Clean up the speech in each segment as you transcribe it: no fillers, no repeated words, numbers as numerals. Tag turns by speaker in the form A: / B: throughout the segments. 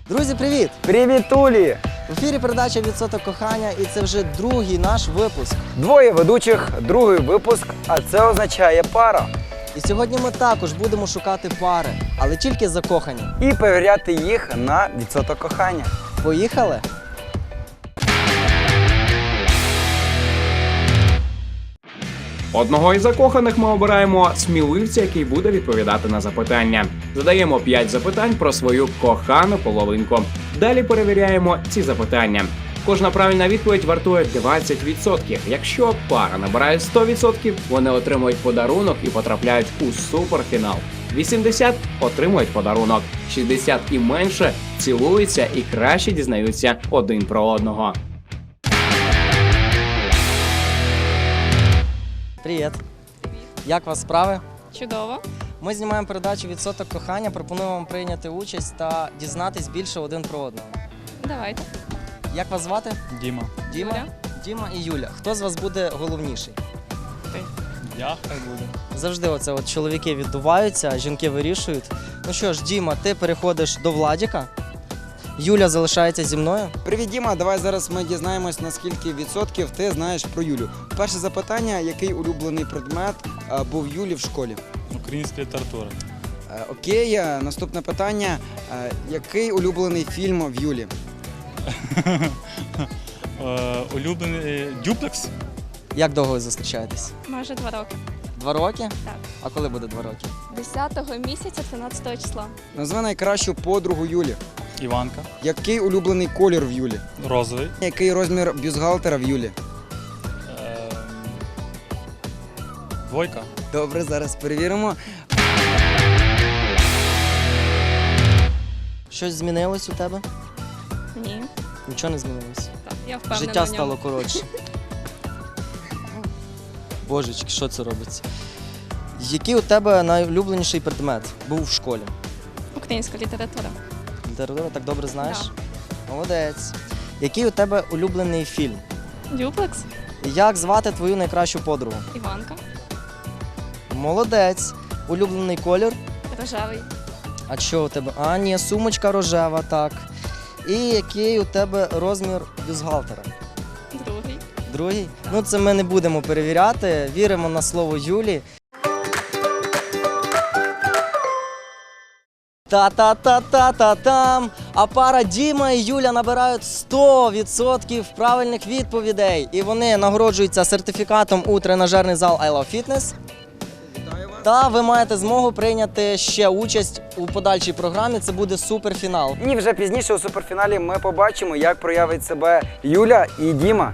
A: Друзі, привіт!
B: Привіт, Улі!
A: В ефірі передача «Відсоток кохання» і це вже другий наш випуск.
B: Двоє ведучих, другий випуск, а це означає пара.
A: І сьогодні ми також будемо шукати пари, але тільки закохані.
B: І перевіряти їх на відсоток кохання.
A: Поїхали?
C: Одного із закоханих ми обираємо сміливця, який буде відповідати на запитання. Задаємо 5 запитань про свою кохану половинку. Далі перевіряємо ці запитання. Кожна правильна відповідь вартує 20%. Якщо пара набирає 100%, вони отримують подарунок і потрапляють у суперфінал. 80 отримують подарунок, 60 і менше цілуються і краще дізнаються один про одного.
A: Привіт! Як у вас справи?
D: Чудово.
A: Ми знімаємо передачу «Відсоток кохання», пропонуємо вам прийняти участь та дізнатись більше один про одного.
D: Давайте.
A: Як вас звати?
E: Діма.
A: Діма?
D: Юля.
A: Діма і Юля. Хто з вас буде головніший?
E: Я хай буде.
A: Завжди оце от чоловіки віддуваються, а жінки вирішують. Ну що ж, Діма, ти переходиш до Владіка. Юля залишається зі мною.
B: Привіт, Діма, давай зараз ми дізнаємось, на скільки відсотків ти знаєш про Юлю. Перше запитання, який улюблений предмет був Юлі в школі?
E: Українська література.
B: Окей, наступне питання. Який улюблений фільм в Юлі?
E: Улюблений дюплекс.
A: Як довго ви зустрічаєтесь?
D: Майже 2 роки.
A: 2 роки?
D: Так.
A: А коли буде 2 роки?
D: 10-го місяця 13-го числа.
B: Назви найкращу подругу Юлі.
E: Іванка.
B: Який улюблений колір в Юлі?
E: Розовий.
B: Який розмір бюстгальтера в Юлі?
E: Двойка.
B: Добре, зараз перевіримо.
A: Щось змінилось у тебе?
D: Ні.
A: Нічого не змінилось.
D: Так, я впевнена
A: Життя
D: в ньому.
A: стало коротше. Божечки, що це робиться? Який у тебе найулюбленіший предмет був в школі?
D: Українська література.
A: Літературу так добре знаєш? Молодець. Який у тебе улюблений фільм?
D: Дюплекс.
A: Як звати твою найкращу подругу?
D: Іванка.
A: Молодець. Улюблений колір?
D: Рожевий.
A: А що у тебе? А, ні, сумочка рожева, так. І який у тебе розмір бюстгальтера?
D: Другий.
A: Другий? Ну, це ми не будемо перевіряти. Віримо на слово Юлі. Та-та-та-та-та-там! А пара Діма і Юля набирають 100% правильних відповідей. І вони нагороджуються сертифікатом у тренажерний зал I Love Fitness. Та ви маєте змогу прийняти ще участь у подальшій програмі. Це буде суперфінал.
B: І вже пізніше у суперфіналі ми побачимо, як проявить себе Юля і Діма.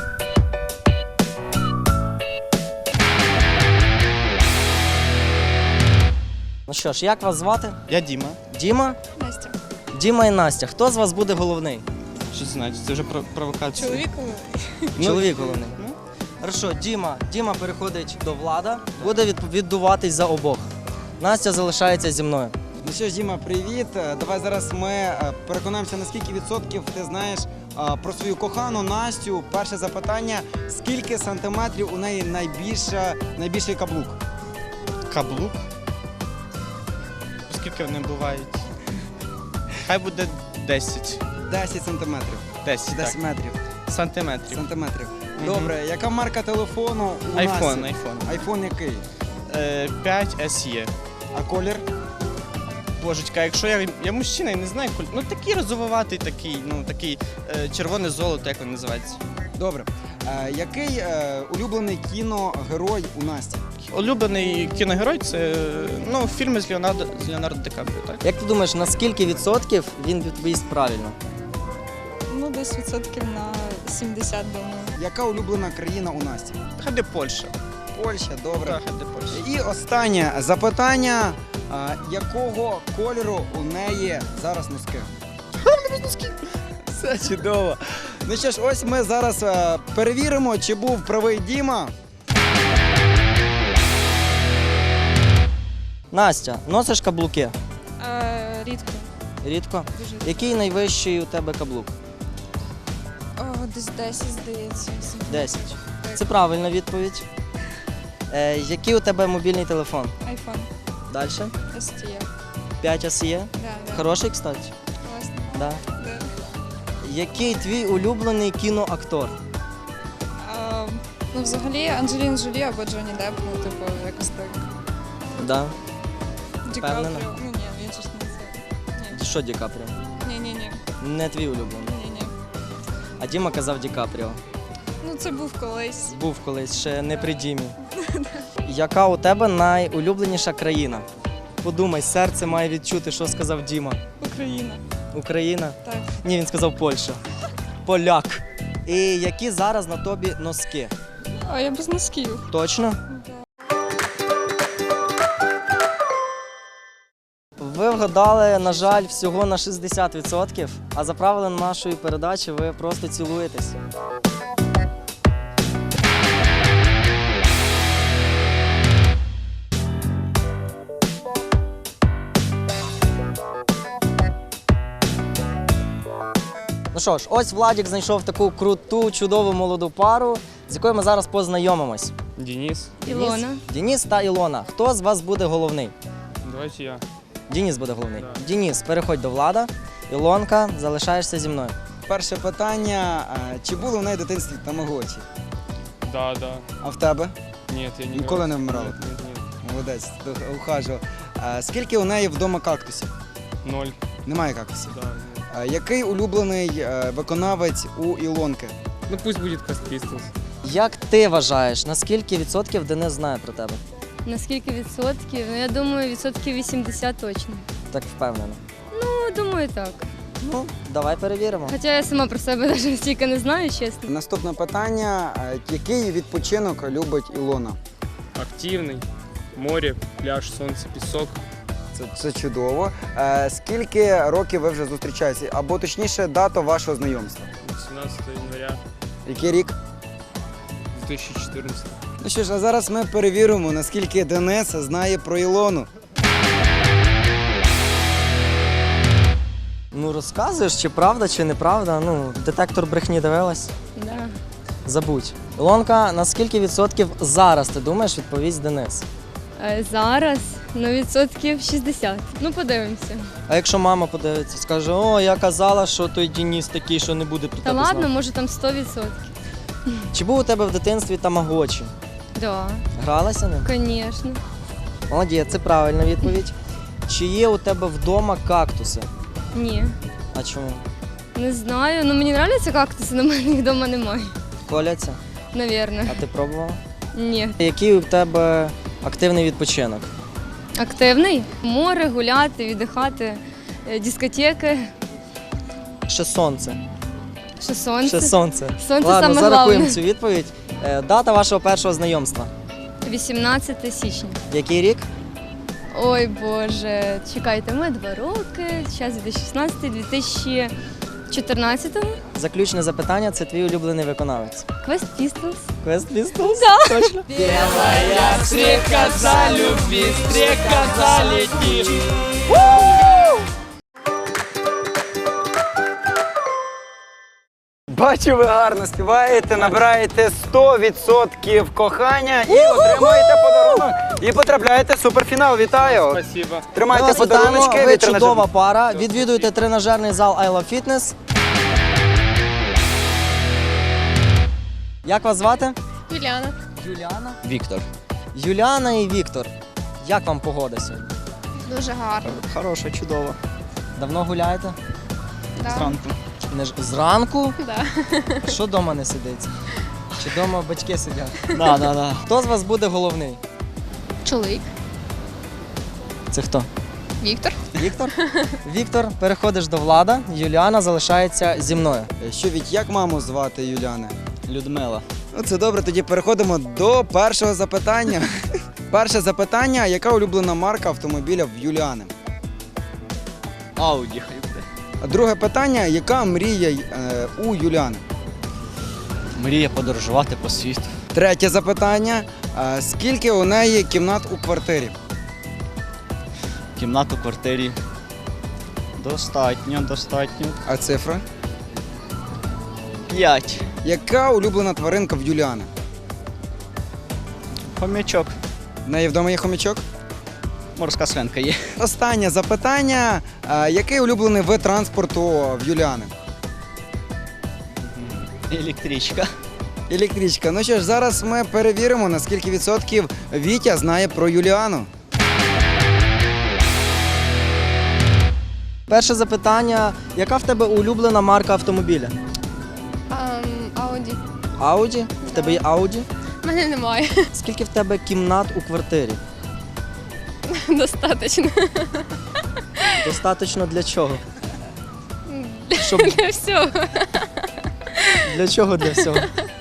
A: Ну що ж, як вас звати?
E: Я Діма.
A: Діма?
D: Настя.
A: Діма і Настя. Хто з вас буде головний?
E: Що це значить? Це вже провокація.
A: Чоловік головний. Хорошо, Діма переходить до Влада, буде віддуватись за обох. Настя залишається зі мною.
B: Ну що ж, Діма, привіт. Давай зараз ми переконаємося, на скільки відсотків ти знаєш про свою кохану Настю. Перше запитання. Скільки сантиметрів у неї найбільший каблук?
F: Каблук? Скільки вони бувають? Хай буде 10.
B: 10 сантиметрів.
F: 10,
B: 10
F: так.
B: метрів.
F: Сантиметрів.
B: Добре, яка марка телефону у
F: Айфон.
B: Насті? Айфон який?
F: 5 SE.
B: А колір?
F: Божечка, якщо я мужчина, я не знаю, ну такий розвиватий, такий червоне золото, як він називається.
B: Добре. Який улюблений кіногерой у Насті?
F: Улюблений кіногерой це фільми з Леонардо Ді Капріо, так?
A: Як ти думаєш, на скільки відсотків він відповість правильно?
G: Ну, десь відсотків на 70, думаю.
B: Яка улюблена країна у Насті?
F: Хай де Польща.
B: Польща, добре.
F: Так, хай де Польща.
B: І останнє запитання. Якого кольору у неї зараз носки? Все чудово. Ну що ж, ось ми зараз перевіримо, чи був правий Діма.
A: Настя, носиш каблуки?
G: Рідко.
A: Рідко.
G: Дуже.
A: Який найвищий у тебе каблук?
G: Десь 10, здається.
A: 10. Це правильна відповідь. Який у тебе мобільний телефон?
G: Айфон.
A: Далі.
G: STE.
A: 5 SE.
G: Да.
A: Хороший, кстати.
G: Класно.
A: Да.
G: Да.
A: Який твій улюблений кіноактор?
G: Ну, взагалі, Анджеліна Джолі або Джонні Депп, ну, типу, якось так.
A: Да.
G: Ді
A: Впевнена?
G: Капріо. Ну, ні, він же ж не це.
A: Що Ді Капріо?
G: Ні.
A: Не твій улюблений.
G: Ні.
A: А Діма казав Ді Капріо.
G: Ну, це був колись.
A: Був колись, ще не при Дімі. Яка у тебе найулюбленіша країна? Подумай, серце має відчути, що сказав Діма.
G: Україна.
A: Україна?
G: Так.
A: Ні, він сказав Польща. Поляк. І які зараз на тобі носки?
G: А я без носків.
A: Точно? Ви вгадали, на жаль, всього на 60%, а за правилами нашої передачі ви просто цілуєтесь. Ну що ж, ось Владік знайшов таку круту, чудову молоду пару, з якою ми зараз познайомимось.
E: Денис.
D: Ілона.
A: Деніс та Ілона. Хто з вас буде головний?
E: Давайте я.
A: Деніс буде головний.
E: Да.
A: Деніс, переходь до Влада. Ілонка, залишаєшся зі мною.
B: Перше питання: чи було в неї в дитинстві тамагочі?
E: Да.
B: А в тебе?
E: Нет, я не
B: Ніколи не вмирала?
E: Нет.
B: Молодець, ухажував. Скільки у неї вдома кактусів?
E: 0.
B: Немає кактусів.
E: Да.
B: Який улюблений виконавець у Ілонки?
E: Ну пусть будет Cast Pistols.
A: Як ти вважаєш, на скільки відсотків Денис знає про тебе?
H: На скільки відсотків? Ну, я думаю, відсотків 80 точно.
A: Так впевнено.
H: Ну, думаю, так.
A: Ну, давай перевіримо.
H: Хоча я сама про себе навіть стільки не знаю, чесно.
B: Наступне питання: який відпочинок любить Ілона?
E: Активный. Море, пляж, солнце, песок.
B: Це чудово. Скільки років ви вже зустрічаєтеся? Або точніше, дата вашого знайомства?
E: 18 января
B: Який рік?
E: 2014.
B: Ну що ж, а зараз ми перевіримо, наскільки Денис знає про Ілону.
A: Ну розказуєш, чи правда, чи неправда. Ну, детектор брехні дивилась.
H: Да.
A: Забудь. Ілонка, на скільки відсотків зараз ти думаєш, відповість Денис?
H: Зараз, ну, відсотків 60. Ну, подивимося.
A: А якщо мама подивиться, скаже, о, я казала, що той Деніс такий, що не буде про
H: Та
A: тебе
H: ладно,
A: знати.
H: може там 100%.
A: Чи був у тебе в дитинстві тамагочі?
H: Да,
A: Гралася ним?
H: звісно.
A: Молодець, це правильна відповідь. Чи є у тебе вдома кактуси?
H: Ні.
A: А чому?
H: Не знаю. Ну, мені подобаються кактуси, але в мене їх вдома немає.
A: Коляться?
H: Навірно.
A: А ти пробувала?
H: Ні.
A: Який у тебе активний відпочинок?
H: Активний? Море, гуляти, віддихати, дискотеки,
A: Ще сонце.
H: ще сонце.
A: Ще сонце.
H: Сонце
A: Ладно,
H: саме
A: зарахуємо
H: головне.
A: цю відповідь. Дата вашого першого знайомства.
H: 18 січня.
A: Який рік?
H: Ой Боже, чекайте, ми 2 роки, зараз 2016, 2014.
A: Заключне запитання, це твій улюблений виконавець.
H: Quest Pistols.
A: Quest Pistols? Да. Точно?
B: Бачу, ви гарно співаєте, набираєте 100% кохання і отримуєте подарунок. І потрапляєте в суперфінал. Вітаю!
E: Спасибо.
B: Тримайте
A: Ми вас вітаємо,
B: подаруночки
A: ви
B: від
A: чудова
B: тренажерного.
A: пара. Відвідуйте тренажерний зал I Love Fitness. Як вас звати?
D: Юліана.
A: Юліана.
I: Віктор.
A: Юліана і Віктор. Як вам погода сьогодні?
D: Дуже гарно.
A: Хороша, чудова. Давно гуляєте?
E: Зранку.
A: Не ж зранку?
D: Да.
A: Що вдома не сидиться? Чи вдома батьки сидять?
I: Да.
A: Хто з вас буде головний?
D: Чоловік.
A: Це хто?
D: Віктор.
A: Віктор? Віктор, переходиш до Влада. Юліана залишається зі мною.
B: Що від як маму звати Юліани?
I: Людмила.
B: Ну це добре, тоді переходимо до першого запитання. Перше запитання: яка улюблена марка автомобіля в Юліани?
I: Ауді хай буде.
B: А друге питання: яка мрія у Юліани?
I: Мріє подорожувати по світу.
B: Третє запитання: скільки у неї кімнат у квартирі?
I: Кімнату в квартирі. Достатньо.
B: А цифра?
I: 5.
B: Яка улюблена тваринка в Юліани?
I: Хомячок.
B: В неї вдома є хомячок?
I: Морська свинка є.
B: Останнє запитання. Який улюблений вид транспорту в Юліани?
I: Електричка.
B: Електричка. Ну що ж, зараз ми перевіримо, на скільки відсотків Вітя знає про Юліану.
A: Перше запитання: яка в тебе улюблена марка автомобіля?
D: Ауді.
A: Ауді? В тебе є Ауді?
D: У мене немає.
A: Скільки в тебе кімнат у квартирі?
D: Достаточно.
A: Достатньо для чого? Щоб...
D: Для всього.
A: Для чого для всього?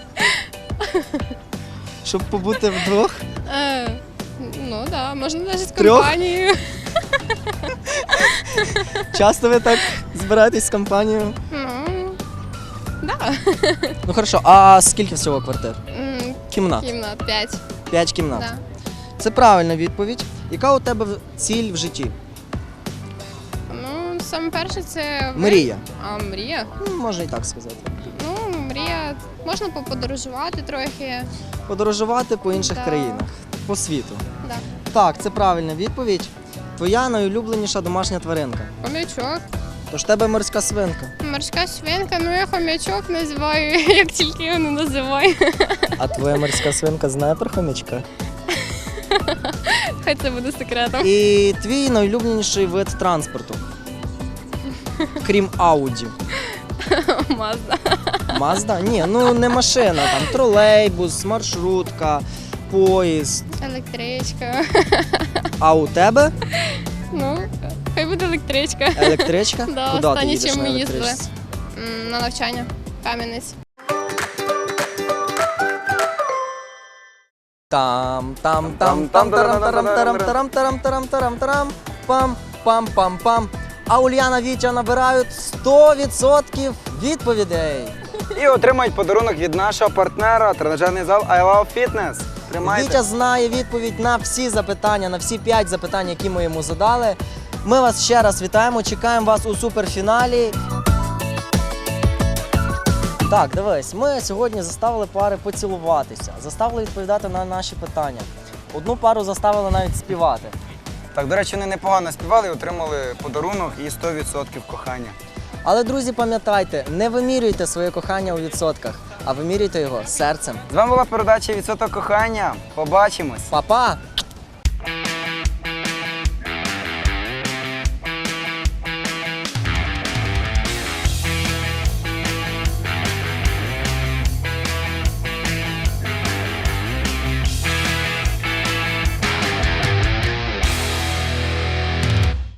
A: Щоб побути вдвох?
D: Ну так, да, можна навіть з
A: Трьох?
D: компанією.
A: Часто ви так збираєтесь з компанією?
D: Ну, да.
A: Ну хорошо, а скільки всього квартир? Кімнат?
D: Кімнат 5.
A: 5 кімнат.
D: Да.
A: Це правильна відповідь. Яка у тебе ціль в житті?
D: Ну, саме перше це...
A: Мрія.
D: А, мрія?
A: Ну, можна і так сказати.
D: Ну, мрія. Можна поподорожувати трохи.
A: Подорожувати по інших
D: Да.
A: країнах, по світу.
D: Да.
A: Так, це правильна відповідь. Твоя найулюбленіша домашня тваринка.
D: Хомячок.
A: Тож в тебе морська свинка.
D: Морська свинка, ну я хомячок називаю, як тільки його не називаю.
A: А твоя морська свинка знає про хомячка?
D: Хай це буде секретом.
A: І твій найулюбленіший вид транспорту. Крім Ауді.
D: Мазда.
A: Мазда? Ні, ну не машина, там тролейбус, маршрутка, поїзд.
D: Електричка.
A: А у тебе
D: Ну, хай буде електричка.
A: електричка?
D: Да,
A: Куди ти
D: останнє,
A: їдеш
D: чим
A: на
D: ми їздили.
A: електричці?
D: На навчання. Кам'янець.
A: Там пам пам пам пам. А Ульяна, Вітя набирають 100% відповідей.
B: І отримають подарунок від нашого партнера тренажерний зал I Love Fitness. Тримайте.
A: Вітя знає відповідь на всі запитання, на всі 5 запитань, які ми йому задали. Ми вас ще раз вітаємо, чекаємо вас у суперфіналі. Так, дивись, ми сьогодні заставили пари поцілуватися, заставили відповідати на наші питання. Одну пару заставили навіть співати.
B: Так, до речі, вони непогано співали і отримали подарунок і 100% кохання.
A: Але, друзі, пам'ятайте, не вимірюйте своє кохання у відсотках, а вимірюйте його серцем.
B: З вами була передача «Відсоток кохання». Побачимось!
A: Па-па!